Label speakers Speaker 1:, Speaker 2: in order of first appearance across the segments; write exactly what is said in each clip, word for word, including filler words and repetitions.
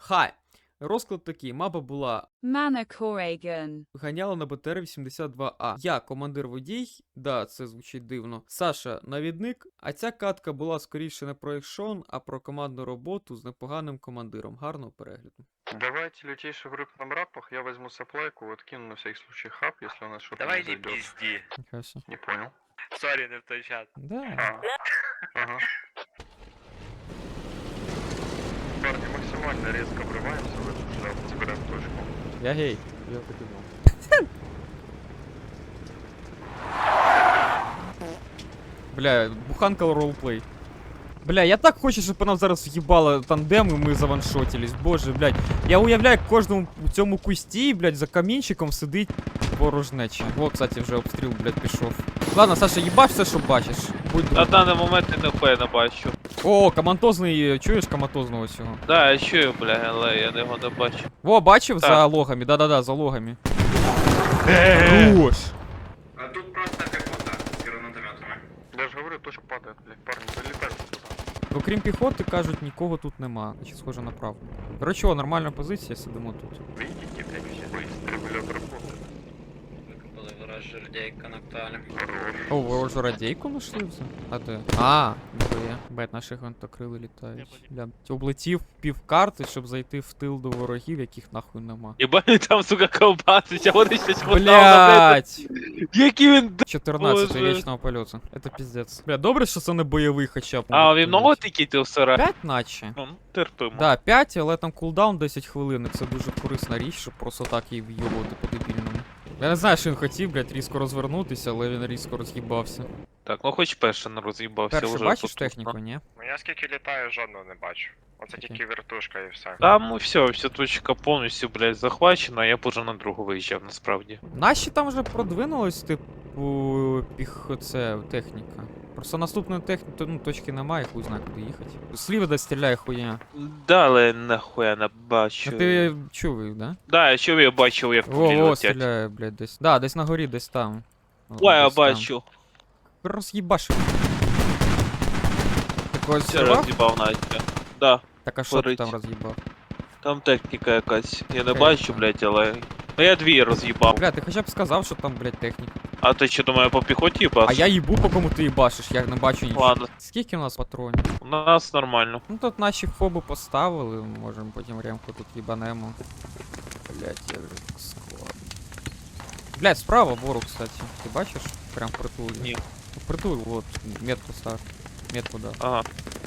Speaker 1: Хай. Розклад такий, мапа була
Speaker 2: Manacor
Speaker 1: ганяла на БТР вісімдесят два А. Я командир водій, да, це звучить дивно. Саша навідник, а ця катка була скоріше не про екшон, а про командну роботу з непоганим командиром. Гарного перегляду.
Speaker 3: Давайте лютейший в рыбном рапах, я возьму саплайку, вот кину на всякий случай хаб, если у нас что-то
Speaker 4: Давай
Speaker 3: не
Speaker 4: не
Speaker 3: зайдет.
Speaker 4: пизди.
Speaker 1: Нічого собі.
Speaker 3: Не понял.
Speaker 4: Сорі, не в той чат.
Speaker 1: Да.
Speaker 3: А, ага. Парни, максимально резко врываемся в эту шляпу, забираем точку.
Speaker 1: Я гей.
Speaker 5: Я так і знав.
Speaker 1: Бля, буханка ролплей. Бля, я так хочу, щоб нам зараз в'їбало тандем і ми заваншотились. Боже, блядь. Я уявляю, як кожному в цьому кусті, блядь, за камінчиком сидить порожнеча. О, кстати, вже обстріл, блядь, пішов. Ладно, Саша, їбаш все, що бачиш. Будь
Speaker 6: На
Speaker 1: добрий.
Speaker 6: даний момент я ніхуя не бачу.
Speaker 1: О, комантозний, чуєш комантозного цього?
Speaker 6: Да, я чую, бля, але я його не бачу.
Speaker 1: Во, бачив
Speaker 6: Так.
Speaker 1: за логами? Да-да-да, за логами. Хорош.
Speaker 4: А тут просто как вот так, с гранатометами.
Speaker 3: Я же говорю, точка падает, блядь, парни, вылетайте туда.
Speaker 1: Окрім піхоти, кажуть, нікого тут нема. Значить, схоже на правду. Короче, о, нормальна позиція, сидимо тут.
Speaker 3: Видите, блядь, все дистрибулятор работает.
Speaker 4: Викопали вораж жердейка на кталі.
Speaker 3: Хорош.
Speaker 1: О, ворожу радійку знайшли вже? А де? А, ніхуя. Бать, наші гвинтокрили літають. Бля, облетів пів карти, щоб зайти в тил до ворогів, яких нахуй нема.
Speaker 6: Єбать, там, сука, ковбасить, а вони щось хватало,
Speaker 1: Блять!
Speaker 6: Який він д...
Speaker 1: чотирнадцять
Speaker 6: Боже.
Speaker 1: річного польоту. Это пиздец. Бля, добре, що це не бойовий хоча б.
Speaker 6: А, він много тільки ти всера?
Speaker 1: п'ять наче.
Speaker 6: Ну, терпимо.
Speaker 1: Да, п'ять, але там кулдаун десять хвилин, і це дуже корисна річ, щоб просто так її вйобувати по-дебільному. Я не знаю, що він хотів, блядь, різко розвернутися, але він різко роз'їбався.
Speaker 6: Так, ну хоч перший не роз'їбався
Speaker 1: Перше
Speaker 6: вже.
Speaker 1: бачиш
Speaker 6: тут,
Speaker 1: техніку,
Speaker 6: ну.
Speaker 1: ні?
Speaker 3: Ну я скільки літаю, жодного не бачу. Оце
Speaker 1: Окей.
Speaker 3: тільки вертушка і все.
Speaker 6: Там ну, все, вся точка повністю, блядь, захвачена, а я б уже на другу виїжджав, насправді.
Speaker 1: Наші там вже продвинулись, типу, піх... це, техніка. Просто наступної техніки, ну, точки немає, хуй знає, куди їхати. Сліва де стріляє хуйня.
Speaker 6: Да, але нахуя не бачу.
Speaker 1: А ти чув, да?
Speaker 6: Да, я чув, я бачив, як
Speaker 1: Во,
Speaker 6: пулі
Speaker 1: во,
Speaker 6: летять.
Speaker 1: стріляє, блядь, десь. Да, десь на горі, десь там. О,
Speaker 6: Ой, я
Speaker 1: десь там.
Speaker 6: бачу.
Speaker 1: Роз'їбашив. Ти когось
Speaker 6: Все
Speaker 1: зірвав?
Speaker 6: роз'їбав Настя. Да,
Speaker 1: Так а що ти
Speaker 6: горить.
Speaker 1: там роз'їбав?
Speaker 6: там техніка якась. Я не
Speaker 1: Окей,
Speaker 6: бачу,
Speaker 1: так.
Speaker 6: блядь, але... Ну я дві роз'їбав.
Speaker 1: Бля, ти хоча б сказав, що там, блядь, техніка.
Speaker 6: А ти що, думаю, по піхоті їбаш?
Speaker 1: А я їбу, по кому ти їбашиш, я не бачу нічого.
Speaker 6: Ладно,
Speaker 1: Скільки у нас патронів?
Speaker 6: у нас нормально.
Speaker 1: Ну тут наші фоби поставили, можемо потім ремку тут їбанемо. Блять, як же так складно. Блять, справа ворог, кстати. Ти бачиш? Прям впритул.
Speaker 6: Ні.
Speaker 1: Впритул, вот, метку став. Метку, да.
Speaker 6: Ага.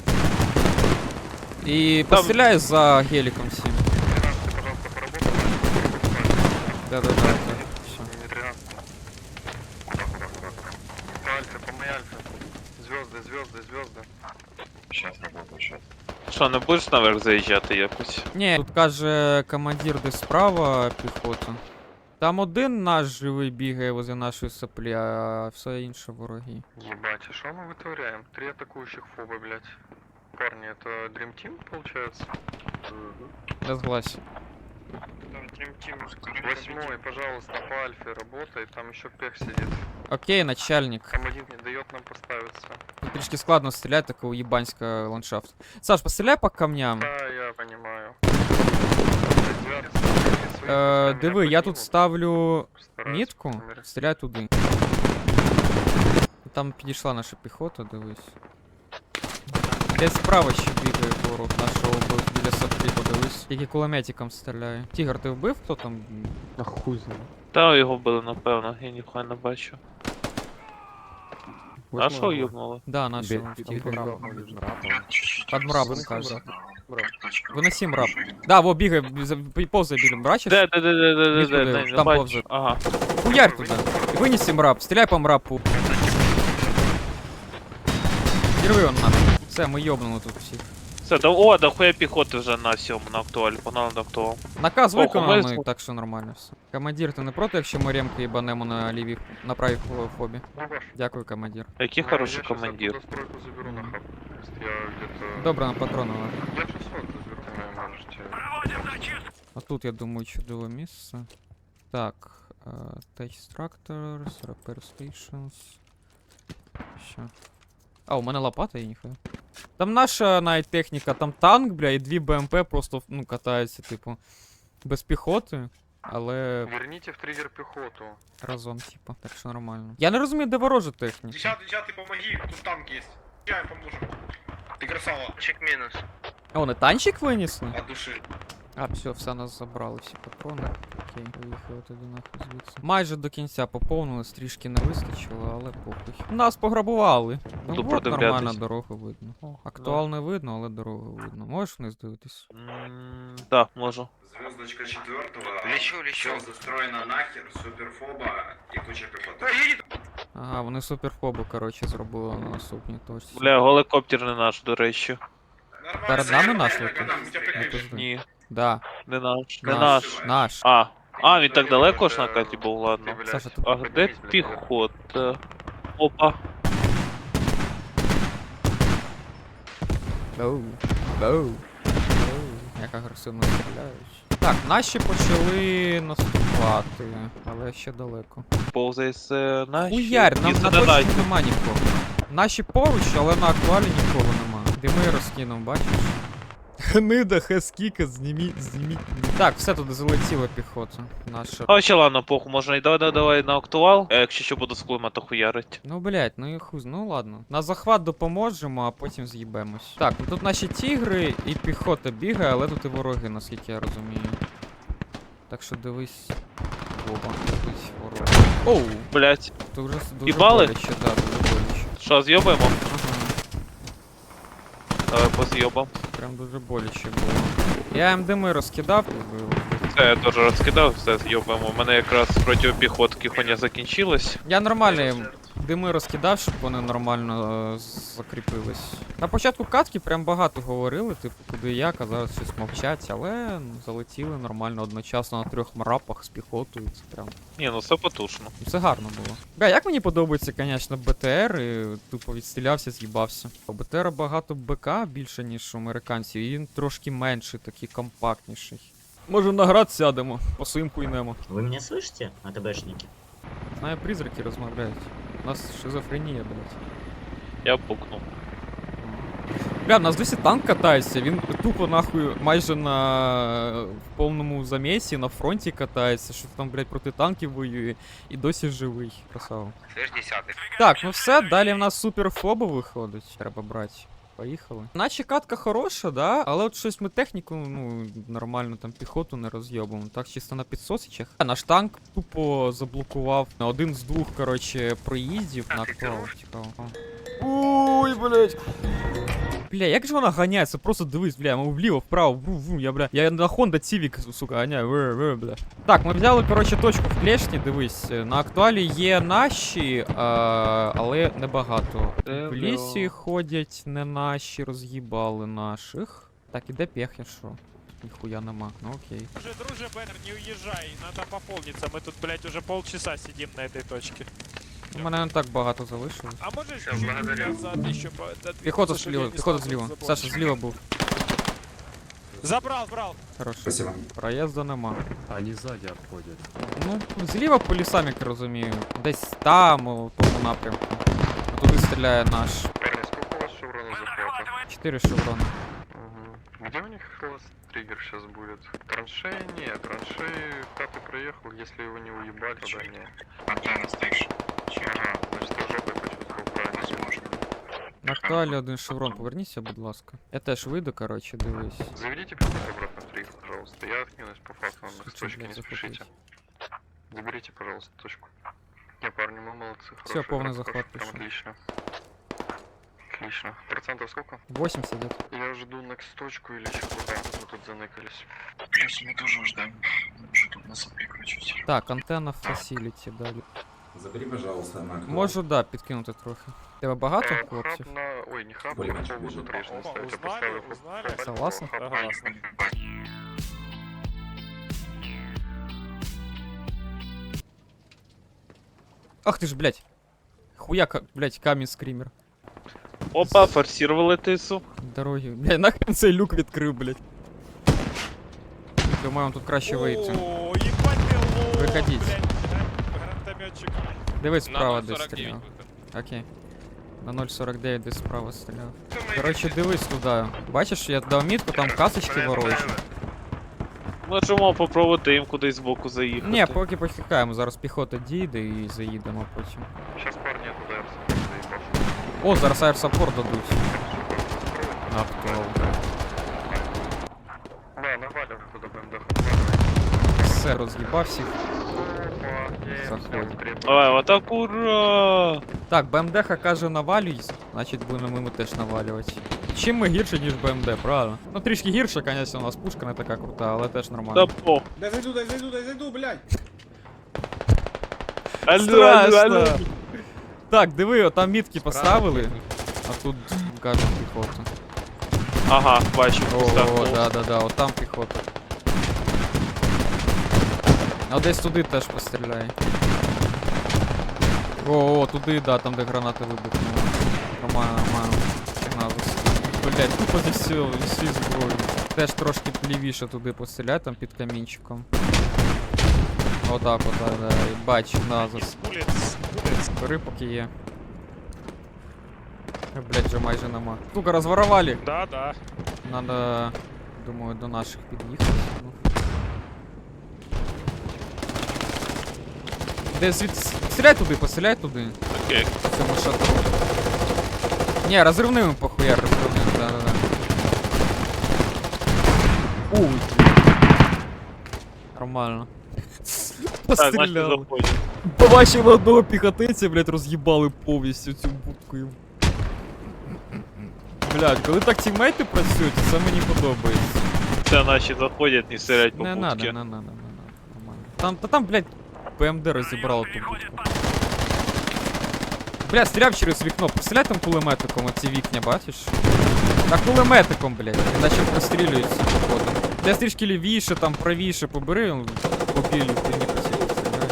Speaker 1: І
Speaker 6: Там-
Speaker 1: постріляй за геліком всім.
Speaker 3: тринадцать, пожалуйста, поработай.
Speaker 1: Да-да-да, да. Все.
Speaker 3: Не тринадцать. Куда, куда, куда, куда? По альфе, по моей альфе. Звезды, звезды, звезды. Сейчас работаю, сейчас.
Speaker 6: Що, не будеш наверх заїжджати якось?
Speaker 1: Ні, тут каже командир десь справа піхота. Там один наш живий бігає возле нашої соплі, а все інше вороги.
Speaker 3: Ебать, а что мы вытворяем? Три атакующих фоба, блядь. Парни, это Dream Team получается?
Speaker 1: Я зглась.
Speaker 3: Восьмой, пожалуйста, по альфе работай, там еще пех сидит.
Speaker 1: Окей, начальник.
Speaker 3: Там один не дает нам поставиться.
Speaker 1: Тут трішки складно стріляти, такий уєбанська ландшафт. Саш, постріляй по камням.
Speaker 3: Да, я понимаю.
Speaker 1: Е, диви, я тут ставлю мітку, стріляй туди. Там підійшла наша піхота, дивись. Десь справа ще бігає ворог нашого бив біля сапки, подивись. Тільки кулеметиком стріляє. Тігр, ти вбив хто там?
Speaker 5: А хуй знає.
Speaker 6: Та його вбили, напевно, я ніхуя не бачу. А що юбнуло?
Speaker 1: Да, нашого
Speaker 5: Бе-
Speaker 1: Тігр.
Speaker 5: під мрабом, під мрабом.
Speaker 1: Під мрабом, каже.
Speaker 5: Мраб.
Speaker 1: Виноси мраб. Да, во, бігає, за- повзає біля, бачиш?
Speaker 6: Де, де, де, де, де, де,
Speaker 1: Мітку
Speaker 6: де,
Speaker 1: дивись,
Speaker 6: де, не
Speaker 1: там
Speaker 6: бачу.
Speaker 1: повзе.
Speaker 6: Ага.
Speaker 1: Хуярь туди. І винеси мраб, стріляй по мрабу. Рви он нахуй. Все, ми йобнули тут всіх.
Speaker 6: Все, да, о, да хуя піхоти вже на сьому, на актуалі, погнали на актуал.
Speaker 1: Наказ
Speaker 6: Ого,
Speaker 1: виконаний,
Speaker 6: ми-
Speaker 1: так що нормально все. Командир, ти не проти, якщо ми ремки їбанемо на лівій, на правій фо- фобі? Дякую, командир.
Speaker 6: Який хороший командир.
Speaker 3: Я стройку заберу на хаб. Я где-то...
Speaker 1: Добре, на патрони.
Speaker 3: Я шестьсот заберу, вы можете...
Speaker 1: А тут, я думаю, чудове місце. Так, uh, Tech Structures, Repair Stations. Що? А, у мене лопата є, ніхуя. Там наша навіть техніка, там танк, бля, і дві БМП просто, ну, катаються, типу, без піхоти, але
Speaker 3: Верните в триггер пехоту.
Speaker 1: разом, типу, так що нормально. Я не розумію, де ворожа техніка.
Speaker 4: Десятый, десятый, помоги, тут танк есть. Я поможем. Ты красава.
Speaker 3: Чек минус.
Speaker 1: А, вони танчик винесли?
Speaker 4: От души.
Speaker 1: А, все, все, нас забрали, всі патрони. Окей, поїхали тоді нахуй звідси. Майже до кінця поповнили, трішки не вистачило, але похуй. Нас пограбували. Ну,
Speaker 6: Буду
Speaker 1: от нормально
Speaker 6: продивлятись.
Speaker 1: дорогу видно. Актуал не видно, але дорогу видно. Можеш вниз дивитись?
Speaker 6: М, Да, можу.
Speaker 4: Звездочка четвертого.
Speaker 3: Лечу, лечу.
Speaker 4: Все застроено нахер, суперфоба и куча пехоты.
Speaker 1: Ага, вони суперфобу, коротше, зробили на наступній точці.
Speaker 6: Бля, гелікоптер не наш, до речі.
Speaker 4: Нормально.
Speaker 1: Перед нами наш
Speaker 4: Нормально,
Speaker 1: летить?
Speaker 4: нормально, тебя
Speaker 1: Не
Speaker 4: прикрыли.
Speaker 1: пизди.
Speaker 6: Ні,
Speaker 1: Да,
Speaker 6: не наш. Не
Speaker 1: наш,
Speaker 6: наш.
Speaker 1: наш.
Speaker 6: А, а, він так далеко ж на карті був, ладно.
Speaker 3: Ты, блядь,
Speaker 1: Саша, ты-
Speaker 6: А де
Speaker 3: поднимись, блядь,
Speaker 6: піхота? Опа.
Speaker 1: Оу, оу, оу. Як агресивно стріляють. Так, наші почали наступати, але ще далеко.
Speaker 6: Повзає з наші.
Speaker 1: Хуярь, нам
Speaker 6: І
Speaker 1: на
Speaker 6: задонать.
Speaker 1: точці нема нікого. Наші поруч, але на актуалі нікого нема. Дими розкинув, бачиш? Гнида, хескіка, зніміть, зніміть. Так, все туди залетіла піхота. Наша.
Speaker 6: А ще ладно, похуй, можна і давай, давай, давай на актуал. А якщо що буду з кулемета хуярить.
Speaker 1: Ну, блять, ну і хуз, ну ладно. На захват допоможемо, а потім з'їбемось. Так, ну тут наші тігри і піхота бігає, але тут і вороги, наскільки я розумію. Так що дивись. Оба, тут вороги. Оу!
Speaker 6: Блять.
Speaker 1: Тут вже дуже
Speaker 6: Їбали?
Speaker 1: боляче, да, дуже боляче.
Speaker 6: Що, з'єбаємо?
Speaker 1: Ага.
Speaker 6: Давай поз'єбам.
Speaker 1: Прям дуже боляче було. Я їм дими розкидав, вбив.
Speaker 6: Це я теж розкидав, все з'єбаємо. У мене якраз проти піхотки хуйня закінчилась.
Speaker 1: Я нормально їм дими розкидав, щоб вони нормально е, закріпились. На початку катки прям багато говорили, типу, куди як, а зараз щось мовчать, але ну, залетіли нормально одночасно на трьох мрапах з піхотою. Це прям.
Speaker 6: Ні, ну все потужно.
Speaker 1: Це гарно було. Бля, як мені подобається, звісно, БТР, і тупо відстрілявся, з'їбався. У БТР багато БК більше, ніж у американців, і він трошки менший, такий компактніший. Може на град сядемо, по своїм хуйнемо.
Speaker 7: Вы меня слышите, АТБшники?
Speaker 1: Знаю, призраки розмовляють. У нас шизофренія, блядь.
Speaker 6: Я пукнув.
Speaker 1: Бля, в нас досі танк катається, він тупо нахуй майже на в повному замісі, на фронті катається, що там, блядь, проти танків воює, і досі живий. Красава.
Speaker 3: Слышь, десятый.
Speaker 1: Так, ну все, далі в нас суперфоба виходить. Треба брати. Поїхали. Наче катка хороша, да? Але от щось ми техніку, ну, нормально там піхоту не роз'єбуємо. Так, чисто на підсосичах. А наш танк тупо заблокував на один з двох, коротше, проїздів на актуал. Цікаво. Ой, блядь. Бля, як же вона ганяється? Просто дивись, бля, ми вліво, вправо, ву, ву, я, бля. Я на Honda Civic, сука, ганяю, ве, ве, бля. Так, ми взяли, коротше, точку в клешні, дивись. На актуалі є наші, а, але небагато. В лісі ходять не наші, роз'їбали наших. Так, іде пехня, що? Ніхуя нема, ну окей.
Speaker 8: Друже, друже, Беннер, не уезжай, надо пополниться. Мы тут, блядь, уже полчаса сидим на этой точке.
Speaker 1: У мене не так багато залишилось.
Speaker 8: А можешь
Speaker 3: Всё,
Speaker 8: чуть-чуть
Speaker 3: благодарю.
Speaker 8: назад еще по... да,
Speaker 1: Піхота
Speaker 8: двигаться, чтобы
Speaker 1: зліва,
Speaker 8: я не
Speaker 1: піхота
Speaker 8: стал
Speaker 1: зліва.
Speaker 8: забор.
Speaker 1: Саша, зліва був.
Speaker 8: Забрал, брал.
Speaker 1: Хорошо.
Speaker 7: Спасибо.
Speaker 1: Проїзду нема.
Speaker 5: Они сзади обходят.
Speaker 1: Ну, зліва по лісам, як я розумію. Десь там, у тому напрямку. Туди стріляє наш.
Speaker 3: Парни, сколько у вас шевронов захвата?
Speaker 1: Чотири шеврони.
Speaker 3: Угу. Где у них класс триггер сейчас будет? Траншеи нет, траншеи пятый проехал, если его не уебать, тогда не.
Speaker 4: Антенна стоишь.
Speaker 3: Ага, значит я жопой почувствовал правильно.
Speaker 4: Возможно.
Speaker 1: На актуалі один шеврон, поверніться, будь ласка. Я теж вийду, коротше, дивись.
Speaker 3: Заведите пятый обратно в триггер, пожалуйста. Я откинусь по факту, на
Speaker 1: Хочу,
Speaker 3: точки
Speaker 1: блядь,
Speaker 3: не
Speaker 1: захватить.
Speaker 3: спешите. Заберите, пожалуйста, точку. Не, парни, мы молодцы,
Speaker 1: Всё,
Speaker 3: хороший
Speaker 1: полный
Speaker 3: игрок,
Speaker 1: захват
Speaker 3: прям
Speaker 1: пошёл.
Speaker 3: отлично. Отлично. Процентов сколько?
Speaker 1: вісімдесят десь.
Speaker 3: Я жду next точку или еще куда. Мы тут заныкались.
Speaker 4: Плюс мы тоже ждем. Уже тут нас прикручивать.
Speaker 1: Так, антенна в фасіліті далі.
Speaker 7: Забери, пожалуйста, на актуал.
Speaker 1: Можу, да, підкинути трохи. Тебе багато
Speaker 3: Э,
Speaker 1: хлопців?
Speaker 3: хаб на... Ой, не хаб,
Speaker 7: Более
Speaker 3: а
Speaker 7: меньше
Speaker 3: поводу
Speaker 7: ближе.
Speaker 3: трижды
Speaker 8: Опа,
Speaker 3: ставить. Я
Speaker 8: узнали,
Speaker 3: поставил хаб-
Speaker 8: узнали.
Speaker 3: хаб-
Speaker 1: Согласен?
Speaker 3: хаб-
Speaker 8: Согласен.
Speaker 1: Ах ти ж, блядь. Хуяка, блядь, камінь скрімер.
Speaker 6: Опа, форсировали тису.
Speaker 1: Дороги. Блядь, нахрен цей люк відкрив, блядь. Думаю, тут краще вийти.
Speaker 8: О, ебать ты лох,
Speaker 1: Выходите.
Speaker 8: блядь, гран- гранатометчик.
Speaker 1: Дивись справа десь стріляв. Окей. На нуль сорок дев'ять десь справа стріляв. Коротше, дивись туди. Бачиш, я дав мітку, там касочки ворожі.
Speaker 6: Можемо попробувати їм кудись збоку заїхати.
Speaker 1: Ні, поки почекаємо, зараз піхота дійде і заїдемо потім.
Speaker 3: Сейчас парни туда заебал.
Speaker 1: О, зараз аерсапорт дадуть. Автоал.
Speaker 3: Да, навалим туда БМД.
Speaker 1: Все, роз'їбав всіх. Заходь.
Speaker 6: Давай, в атаку, ура!
Speaker 1: Так, БМД каже навалюй, значить будемо ми теж навалювати. Чим ми гірше, ніж БМД, правильно? Ну трішки гірше, звісно, у нас пушка не така крута, але теж
Speaker 6: Да
Speaker 1: нормально.
Speaker 6: по.
Speaker 5: Дай зайду, дай зайду, дай зайду, блядь.
Speaker 6: Алло, алло, алло.
Speaker 1: Страшно. Так, диви, там мітки поставили, а тут кажуть піхота.
Speaker 6: Ага, бачу,
Speaker 1: О,
Speaker 6: поставку.
Speaker 1: да, да, да, от там піхота. А десь туди теж постріляй. О, о, туди, да, там де гранати вибухнули. Нормально, нормально. Сигнал застріл. Блять, тупо зі всього, зі всі зброї. Теж трошки лівіше туди постріляй, там під камінчиком. Отак, отак, да. І бач, назас.
Speaker 8: Улиц, улиц.
Speaker 1: Бери, поки є. Е, Блять, вже майже нема. Сука, розворовали.
Speaker 8: Да, да.
Speaker 1: Надо, думаю, до наших під'їхати. Ну. Де звідси? Стріляй туди, постріляй туди.
Speaker 6: Окей.
Speaker 1: В цьому шатру. Ні, розривними похуяр, розривними, да, да, да. Уй. Нормально.
Speaker 6: Так, значить
Speaker 1: Постріляли.
Speaker 6: заходимо.
Speaker 1: Побачили одного піхотинця, блядь, роз'їбали повністю цю будку. Блядь, коли так тімейти працюють, це мені подобається.
Speaker 6: Це наші заходять, не стрілять по
Speaker 1: Не надо,
Speaker 6: будці.
Speaker 1: не надо, не надо. Нормально. Там, та там, блядь, ПМД розібрало ту будку. Бля, стріляв через вікно, постріляй там кулеметиком, оці вікня, бачиш? Та кулеметиком, блядь, іначе прострілюються походу. Де трішки лівіше, там правіше побери, он по білій хуйні посілі стріляє.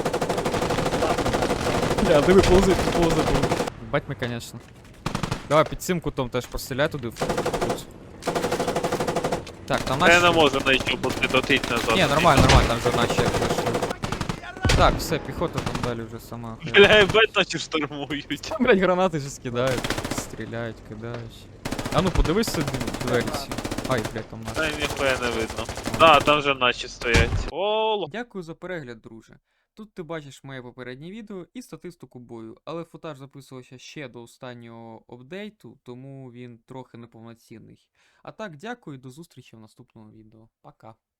Speaker 1: Бля, диви, повзи, повзи, повзи. Бать ми, конечно. Давай під цим кутом теж постріляй туди в кут. Так, там наші...
Speaker 6: Я не можу знайти, бо ти дотить назад.
Speaker 1: Ні, нормально, нормально, там вже наші як пройшли. Так, все, піхота там далі вже сама.
Speaker 6: Бля, ебать, наче штурмують.
Speaker 1: Там, блядь, гранати ж скидають, стріляють, кидають. А ну подивись собі двері ці. Ай, блядь, там наші.
Speaker 6: Та ніхуя не видно. Да, там вже наші стоять. О,
Speaker 1: Дякую за перегляд, друже. Тут ти бачиш моє попереднє відео і статистику бою, але футаж записувався ще до останнього апдейту, тому він трохи неповноцінний. А так, дякую і до зустрічі в наступному відео. Пока.